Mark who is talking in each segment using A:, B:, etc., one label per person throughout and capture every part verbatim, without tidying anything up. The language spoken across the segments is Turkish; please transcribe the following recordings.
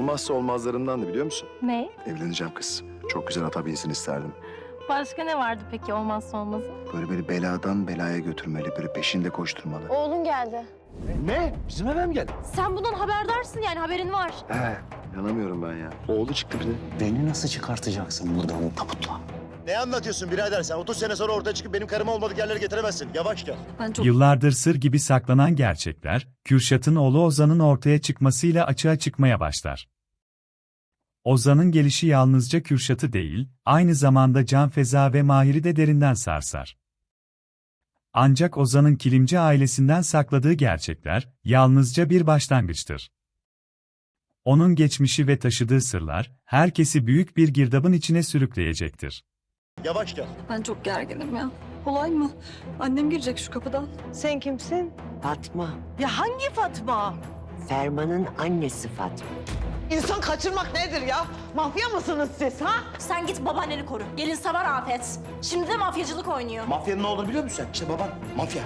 A: olmazsa olmazlarımdandı biliyor musun?
B: Ne?
A: Evleneceğim kız. Çok güzel ata binsin isterdim.
B: Başka ne vardı peki olmazsa olmazı?
A: Böyle beni beladan belaya götürmeli, böyle peşinde koşturmalı.
C: Oğlun geldi.
D: Ne? Bizim eve mi geldi?
C: Sen bundan haberdarsın yani haberin var.
A: He, inanamıyorum ben ya. Oğlu çıktı bir de.
D: Beni nasıl çıkartacaksın buradan tabutla?
E: Ne anlatıyorsun birader sen? otuz sene sonra ortaya çıkıp benim karım olmadık yerlere getiremezsin. Yavaş gel.
C: Ben çok...
F: Yıllardır sır gibi saklanan gerçekler, Kürşat'ın oğlu Ozan'ın ortaya çıkmasıyla açığa çıkmaya başlar. Ozan'ın gelişi yalnızca Kürşat'ı değil, aynı zamanda Can Feza ve Mahir'i de derinden sarsar. Ancak Ozan'ın Kilimci ailesinden sakladığı gerçekler, yalnızca bir başlangıçtır. Onun geçmişi ve taşıdığı sırlar, herkesi büyük bir girdabın içine sürükleyecektir.
E: Yavaş gel.
C: Ben çok gerginim ya. Kolay mı? Annem girecek şu kapıdan.
G: Sen kimsin?
H: Fatma.
G: Ya hangi Fatma?
H: Ferman'ın annesi Fatma.
G: İnsan kaçırmak nedir ya? Mafya mısınız siz ha?
C: Sen git babaanneni koru. Gelin savar afet. Şimdi de mafyacılık oynuyor.
D: Mafyanın ne olduğunu biliyor musun sen? İşte baban mafya.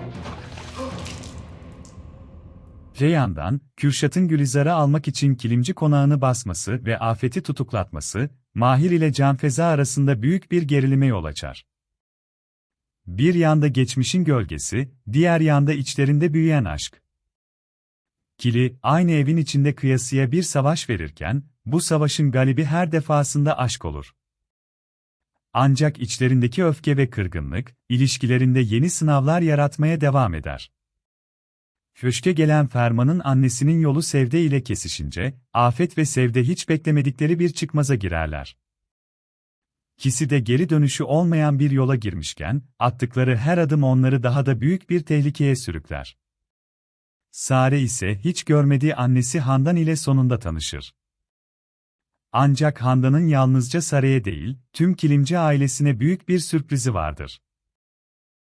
F: Reyhan'dan, Kürşat'ın Gülizar'ı almak için Kilimci konağını basması ve Afet'i tutuklatması, Mahir ile Can Feza arasında büyük bir gerilime yol açar. Bir yanda geçmişin gölgesi, diğer yanda içlerinde büyüyen aşk. Kili, aynı evin içinde kıyasıya bir savaş verirken, bu savaşın galibi her defasında aşk olur. Ancak içlerindeki öfke ve kırgınlık, ilişkilerinde yeni sınavlar yaratmaya devam eder. Köşke gelen Ferman'ın annesinin yolu Sevde ile kesişince, Afet ve Sevde hiç beklemedikleri bir çıkmaza girerler. İkisi de geri dönüşü olmayan bir yola girmişken, attıkları her adım onları daha da büyük bir tehlikeye sürükler. Sare ise hiç görmediği annesi Handan ile sonunda tanışır. Ancak Handan'ın yalnızca Sare'ye değil, tüm Kilimci ailesine büyük bir sürprizi vardır.